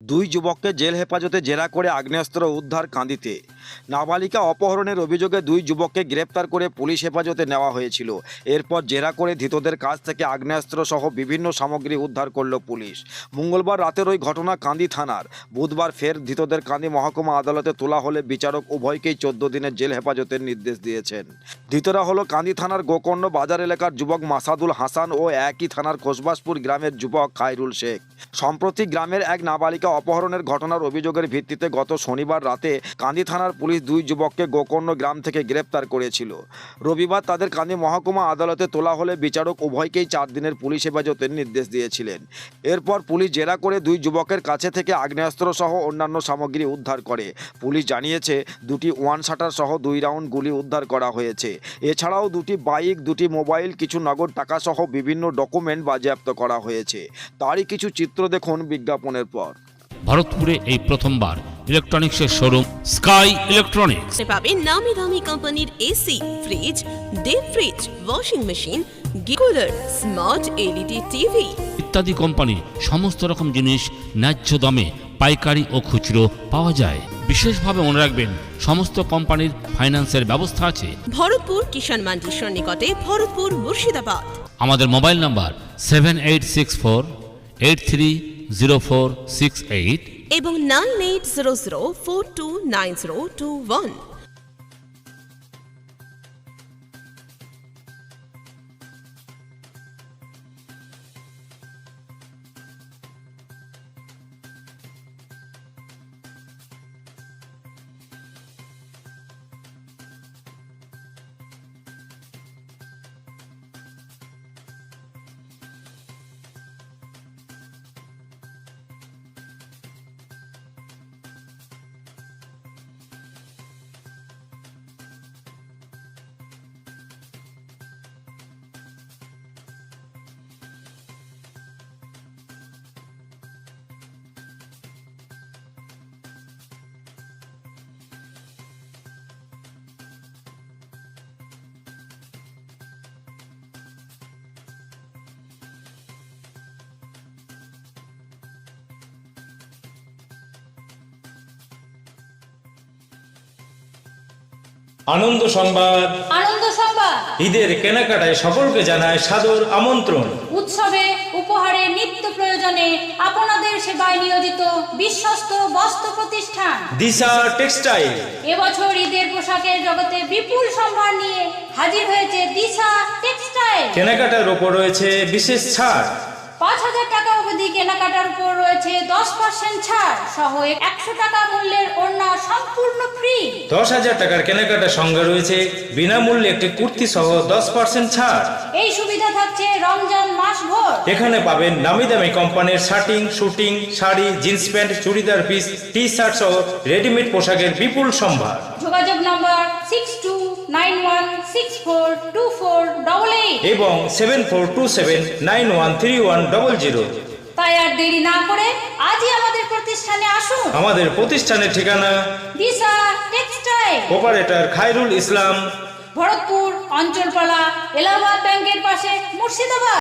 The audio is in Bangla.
দুই যুবককে জেল হেফাজতে জেরা করে আগ্নেয়াস্ত্র উদ্ধার কান্দিতে। নাবালিকা অপহরণের অভিযোগে দুই যুবককে গ্রেপ্তার করে পুলিশ হেফাজতে নেওয়া হয়েছিল। এরপর জেরা করে ধৃতদের কাছ থেকে আগ্নেয়াস্ত্র সহ বিভিন্ন সামগ্রী উদ্ধার করল পুলিশ। মঙ্গলবার রাতের ওই ঘটনা কান্দি থানার। বুধবার ফের ধৃতদের কান্দি মহকুমা আদালতে তোলা হলে বিচারক উভয়কেই 14 দিনের জেল হেফাজতের নির্দেশ দিয়েছেন। ধৃতরা হলো কান্দি থানার গোকর্ণ বাজার এলাকার যুবক মাসাদুল হাসান ও একই থানার খোসবাসপুর গ্রামের যুবক খায়রুল শেখ। সম্প্রতি গ্রামের এক নাবালিকা অপহরণের ঘটনার অভিযোগের ভিত্তিতে গত শনিবার রাতে কান্দি থানার পুলিশ দুই যুবককে গোকর্ণ গ্রাম থেকে গ্রেপ্তার করেছিল। রবিবার তাদের কান্দি মহকুমা আদালতে তোলা হলে বিচারক উভয়কেই 4 দিনের পুলিশ হেফাজতের নির্দেশ দিয়েছিলেন। এরপর পুলিশ জেরা করে দুই যুবকের কাছে থেকে আগ্নেয়াস্ত্র সহ অন্যান্য সামগ্রী উদ্ধার করে। পুলিশ জানিয়েছে দুটি ওয়ান শাটার সহ 2 রাউন্ড গুলি উদ্ধার করা হয়েছে। এছাড়াও দুটি বাইক, দুটি মোবাইল, কিছু নগদ টাকা সহ বিভিন্ন ডকুমেন্ট বাজেয়াপ্ত করা হয়েছে। তারই কিছু চিত্র দেখুন বিজ্ঞাপনের পর। ভারতপুরে এই প্রথমবার ইলেকট্রনিক্সের শোরুম স্কাই ইলেকট্রনিক্স পাবেন নামি দামি কোম্পানির AC, fridge, deep fridge, washing machine, গিকুলার, স্মার্ট এলইডি টিভি ইত্যাদি কোম্পানির সমস্ত রকম জিনিস ন্যায্য দামে পাইকারি ও খুচরো পাওয়া যায়। বিশেষভাবে মনে রাখবেন, সমস্ত কোম্পানির ফাইন্যান্সের ব্যবস্থা আছে। ভরতপুর কিষাণ মান্ডির সন্নিকটে, ভরতপুর, মুর্শিদাবাদ। আমাদের মোবাইল নাম্বার 7864830468 এবং 9800429021। আনন্দ সংবাদ। আনন্দ সংবাদ। ঈদের কেনাকাটায় সকলকে জানায় সাদর আমন্ত্রণ। উৎসবে, উপহারে, নিত্য প্রয়োজনে আপনাদের সেবায় নিয়োজিত বিশ্বস্ত বস্ত্র প্রতিষ্ঠান দিশা টেক্সটাইল এবছর ঈদের পোশাকের জগতে বিপুল সম্ভার নিয়ে হাজির হয়েছে দিশা টেক্সটাইল। কেনাকাটার উপর রয়েছে বিশেষ ছাড়। 5,000 টাকা অবধি কেনাকাটার উপর রয়েছে 10% ছাড় সহ 100 টাকা মূল্যের ওড়না সম্পূর্ণ ফ্রি। 10,000 টাকার কেনাকাটার সঙ্গে রয়েছে বিনামূল্যে একটি কুর্তি সহ 10% ছাড়। এই সুবিধা থাকছে রমজান মাস ভর। এখানে পাবেন নামি দামি কোম্পানির shirting, suiting, sari, jeans pant, churidar piece, T shirt সহ রেডিমেড পোশাকের বিপুল সম্ভার। যোগাযোগ নম্বর 6291642488 এবং 7427913100। তাই আর দেরি না করে আজই আমাদের প্রতিষ্ঠানে আসুন। আমাদের প্রতিষ্ঠানের ঠিকানা দিশা টেক্সটাইল, অপারেটর খায়রুল ইসলাম, ভরতপুর, অঞ্চলপালা, এলাহাবাদ ব্যাংকের পাশে, মুর্শিদাবাদ।